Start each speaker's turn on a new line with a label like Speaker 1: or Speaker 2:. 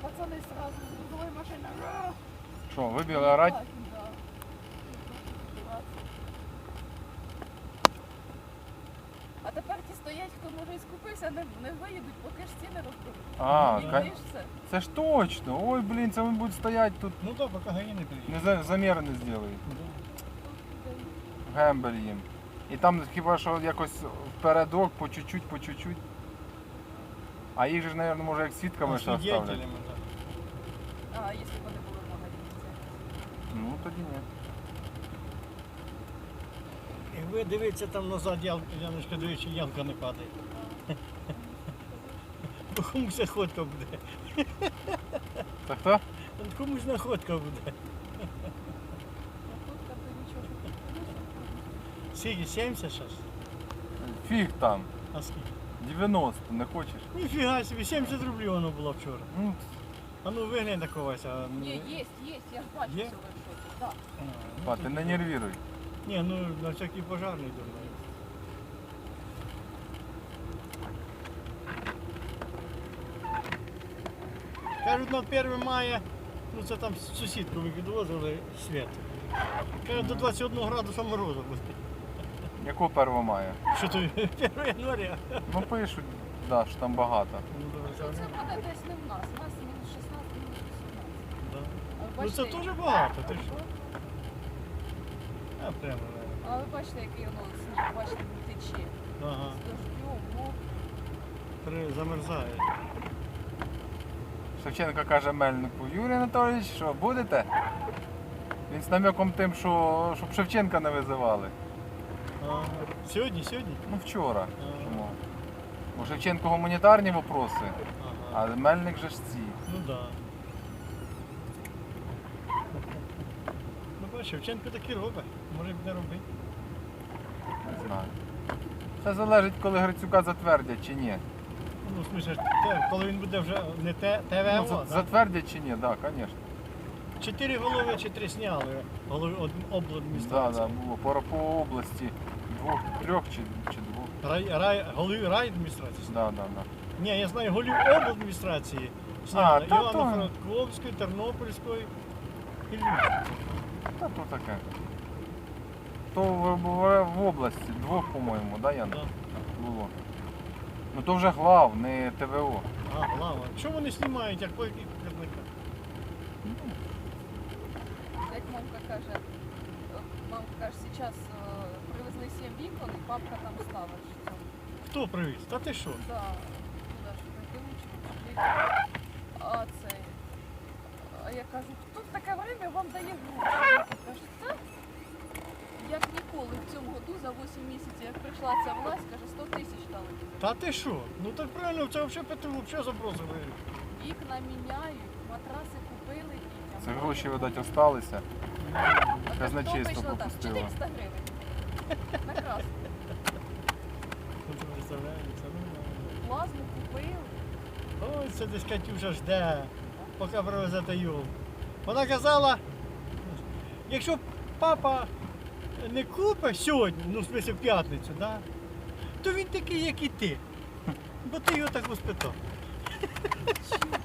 Speaker 1: Пацани сразу з грузової машини.
Speaker 2: Що, вибігли орать?
Speaker 1: Да. А тепер ті стоять, хто може і скупився, не виїдуть, поки ж ціни розберуть.
Speaker 2: А,
Speaker 1: І все.
Speaker 2: це ж точно. Ой, блін, це вони будуть стояти тут.
Speaker 3: Ну так, поки гаї не приїде.
Speaker 2: Заміри не зроблять. Гембель їм. І там хіба що якось впередок, по чуть-чуть. А їх же ж, мабуть, може як свідками ще оставлять.
Speaker 3: Свидетелями, так.
Speaker 1: А, якщо б вони були в магазині.
Speaker 2: Ну, тоді ні.
Speaker 3: І ви дивіться там назад, Яночка, дивіться, ямка не падає. Бо комусь находка буде.
Speaker 2: Це хто?
Speaker 3: Комусь находка буде.
Speaker 1: Тут то нічого.
Speaker 3: Скільки, 70 зараз?
Speaker 2: Фіг там.
Speaker 3: А скільки?
Speaker 2: 90, не хочеш?
Speaker 3: Ніфіга собі, 70 рублів воно було вчора.
Speaker 2: Ну,
Speaker 3: А ну виглянь на когось. А...
Speaker 1: Ні, є, я ж бачу
Speaker 3: Є?
Speaker 1: все в шоці. Так.
Speaker 2: па, ти не нервіруй.
Speaker 3: Ні, ну на всякий пожарний думаю. Кажуть, на 1 мая, ну це там сусідку ми підвозили світ. Кажуть, до 21 градуса морозу буде.
Speaker 2: Якого 1 мая?
Speaker 3: Що то 1 января?
Speaker 2: Ну пишуть, да, що там багато.
Speaker 3: Ну, добре,
Speaker 1: Це
Speaker 3: це
Speaker 1: буде десь не в нас. У нас мінус 16, мінус 18.
Speaker 3: да.
Speaker 1: А ви
Speaker 3: Ну це
Speaker 1: бачите,
Speaker 3: теж багато, ти що? А прямо,
Speaker 1: А ви бачите, який воно сніг, бачите, він тече.
Speaker 3: ага,
Speaker 1: З дождем,
Speaker 3: замерзає.
Speaker 2: Шевченко каже Мельнику: Юрій Анатолійович, що будете? Він з намеком тим, що щоб Шевченка не визивали.
Speaker 3: Ага. Сьогодні?
Speaker 2: Ну вчора.
Speaker 3: Ага.
Speaker 2: Чому? У Шевченко гуманітарні вопроси,
Speaker 3: Ага.
Speaker 2: а Мельник же ж ці.
Speaker 3: Ну да. Ну бачиш, Шевченко таки робить, може б не робити.
Speaker 2: Не знаю. Це залежить, коли Грицюка затвердять чи ні.
Speaker 3: Ну, в смысле, коли він буде вже не
Speaker 2: Ну,
Speaker 3: ТВО, да?
Speaker 2: затвердять чи ні, так, да, звісно.
Speaker 3: 4 голови чи 3 сняли голови
Speaker 2: Так,
Speaker 3: обладміністрації.
Speaker 2: да, було. По області 2, 3 чи 2.
Speaker 3: Голови райадміністрації.
Speaker 2: Да, да, да.
Speaker 3: Ні, я знаю голів обладміністрації. Сняли
Speaker 2: та
Speaker 3: Івано-Франковської, Тернопільської і Львівської.
Speaker 2: Та то таке. То в області 2, по-моєму, да, Яна?
Speaker 3: Да.
Speaker 2: Було. Ну то вже глав, не ТВО.
Speaker 3: А, глава. Чому вони знімають, як показника?
Speaker 1: як мамка каже, зараз привезли 7 вікон, і папка там ставить. що
Speaker 3: Хто привіз? Та ти що?
Speaker 1: Да, туди ж таке лучше. А це. А я кажу, хто в таке время вам дає гроші? Каже, це як ніколи в цьому году за 8 місяців, як прийшла ця власть, каже, 100 тисяч дали.
Speaker 3: Та ти що? Ну так правильно, це взагалі Петру взагалі забросили.
Speaker 1: Вікна міняють, матраси купили дітям.
Speaker 2: Це гроші, видать, осталися.
Speaker 1: А
Speaker 2: казначейство
Speaker 1: вийшло так,
Speaker 2: попустило.
Speaker 1: 400 гривень. Накрасно.
Speaker 3: Ну ти представляєш, це нормально.
Speaker 1: Плазму купили.
Speaker 3: Ой, це десь Катюша жде, поки привезете його. Вона казала, якщо папа не купить сьогодні, ну в смысле в п'ятницю, да, то він такий, як і ти. Бо ти його так воспитав.
Speaker 1: Чого?